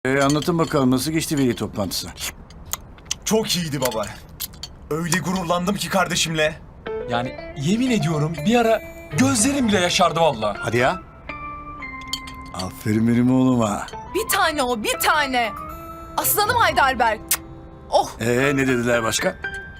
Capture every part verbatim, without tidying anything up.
Ee, anlatın bakalım nasıl geçti veli toplantısı? Çok iyiydi baba. Öyle gururlandım ki kardeşimle. Yani yemin ediyorum bir ara gözlerim bile yaşardı vallahi. Hadi ya. Aferin benim oğluma. Bir tane o, bir tane. Aslanım Heidelberg. Oh, Ee, ne dediler başka?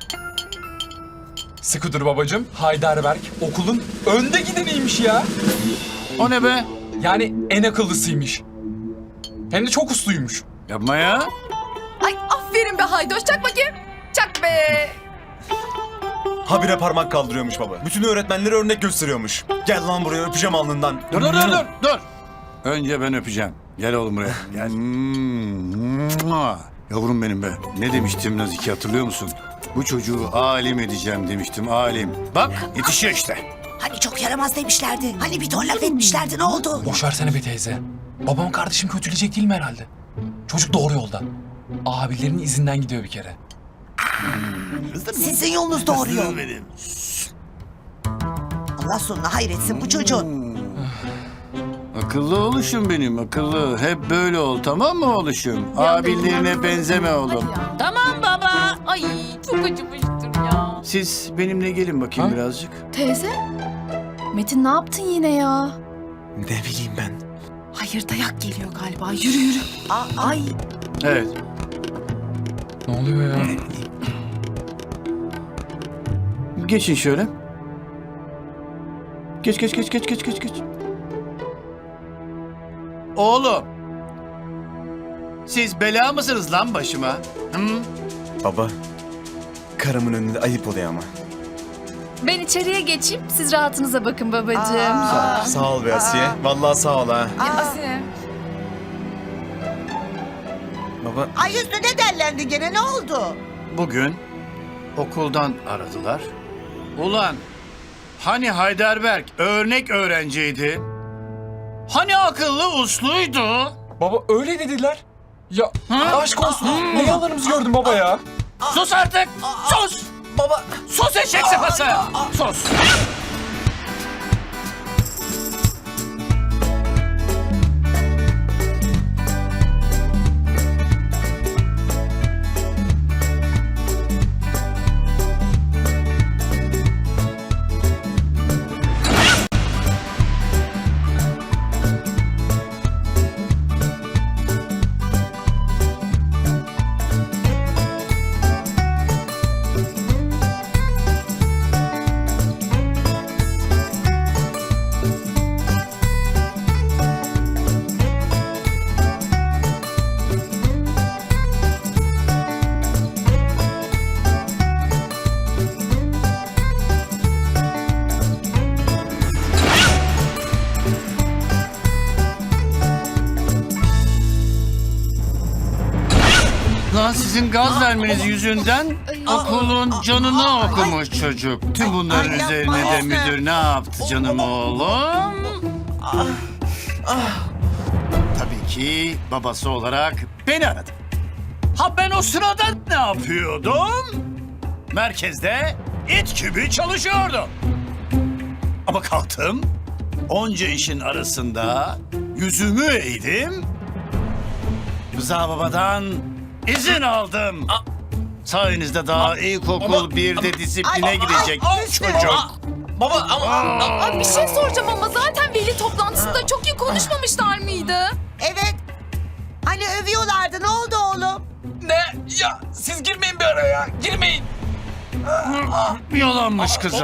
Sıkı dur babacığım. Heidelberg okulun önde gideniymiş ya. O ne be? Yani en akıllısıymış. Hem de çok usluymuş. Yapma ya. ay aferin be Haydoş. Çak bakayım. Çak be. Habire parmak kaldırıyormuş baba. Bütün öğretmenlere örnek gösteriyormuş. Gel lan buraya öpeceğim alnından. Dur dur dur dur. dur. Önce ben öpeceğim. Gel oğlum buraya. Gel. Mua. Yavrum benim be. Ne demiştim Nazike hatırlıyor musun? Bu çocuğu alim edeceğim demiştim alim. Bak yetişiyor işte. Hani çok yaramaz demişlerdi. Hani bir ton laf etmişlerdi, ne oldu? Boş versene be teyze. Babam kardeşim kötüleyecek değil mi herhalde? Çocuk doğru yolda. Abilerinin izinden gidiyor bir kere. Sizin yolunuz doğru yol. Allah sonuna hayretsin bu çocuğun. Akıllı oluşum benim akıllı. Hep böyle ol tamam mı oluşum? Abilerine benzeme oğlum. Tamam baba. Ay çok acımıştır ya. Siz benimle gelin bakayım Ha? birazcık. Teyze. Metin ne yaptın yine ya? Ne bileyim ben. Hayır dayak geliyor galiba. Yürü yürü. Aa, ay, Evet. Ne oluyor ya? Geçin şöyle. Geç geç geç geç geç geç geç. Oğlum. Siz bela mısınız lan başıma? Hı? Baba, karımın önünde ayıp oluyor ama. Ben içeriye geçeyim. Siz rahatınıza bakın babacığım. Aa. Sağ ol be Asiye. Vallahi sağ ol ha. Asim. Baba, ay üstüne dellendi gene, ne oldu? Bugün okuldan aradılar. Ulan hani Heidelberg örnek öğrenciydi? Hani akıllı usluydu? Baba öyle dediler. Ya Ha? aşk olsun. Ne yalanımızı gördün baba ya? Sus artık! Sus! Baba, Sus eşek sıpası! Sus! Lan sizin gaz vermeniz yüzünden okulun canını okumuş çocuk. Tüm bunların Ay, yapma üzerine de Efe. müdür ne yaptı canım oğlum? Tabii ki babası olarak beni aradı. Ha ben o sırada ne yapıyordum? Merkezde it gibi çalışıyordum. Ama kalktım, onca işin arasında yüzümü eğdim. Rıza babadan izin aldım. Sayenizde daha ilkokul birde disipline Ay, gidecek ay, çocuk. Baba ama... Ay bir şey soracağım ama zaten veli toplantısında çok iyi konuşmamışlar mıydı? evet. Hani övüyorlardı, ne oldu oğlum? Ne? Ya siz girmeyin bir araya. Girmeyin. Yalanmış kızım.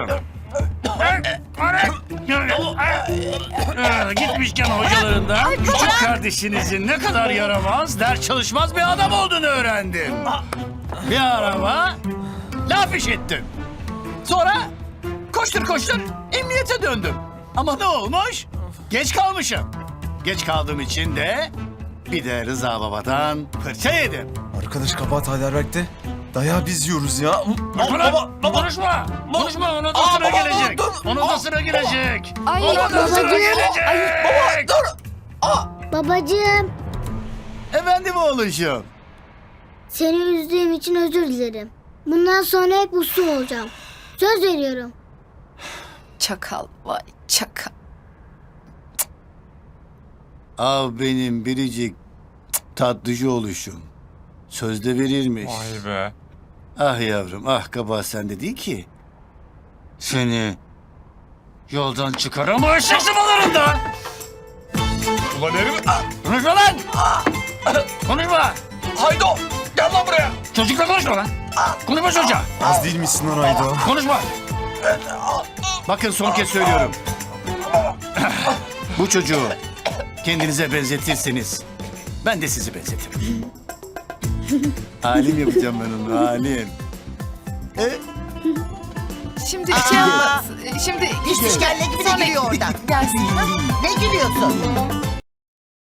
Ee, Gitmişken hocalarından küçük kardeşinizin ne kadar yaramaz, ders çalışmaz bir adam olduğunu öğrendim. Bir araba laf işittim. Sonra koştur koştur emniyete döndüm. Ama ne olmuş? Geç kalmışım. Geç kaldığım için de bir de Rıza Baba'dan fırça yedim. arkadaş kabahat Heidelberg'de. Dayağı biz yiyoruz ya. Baba, konuşma. Konuşma, ona da sıra gelecek. Ona da sıra gelecek. Ona da sıra gelecek. Babacığım, Efendim oğluşum. seni üzdüğüm için özür dilerim. Bundan sonra hep uslu olacağım. Söz veriyorum. Çakal vay çakal. Av benim biricik Tatlıcı oluşum. Sözde verirmiş. Vay be. Ah yavrum, ah kabahat sende değil ki. Seni yoldan çıkaramam eşek sımalarında. Ulan herif. Konuşma lan! Konuşma! Haydo. Gel lan buraya. Çocukla konuşma lan! Konuşma çocuğa! Az değil misin lan Aydo? Konuşma! Bakın son kez söylüyorum. Bu çocuğu kendinize benzetirseniz ben de sizi benzetirim. Alim yapacağım ben onu, alim. E? Şimdi şey yapma. Şimdi İş işkelle gibi de Sonra gülüyor oradan. gelsin. Ne gülüyorsun?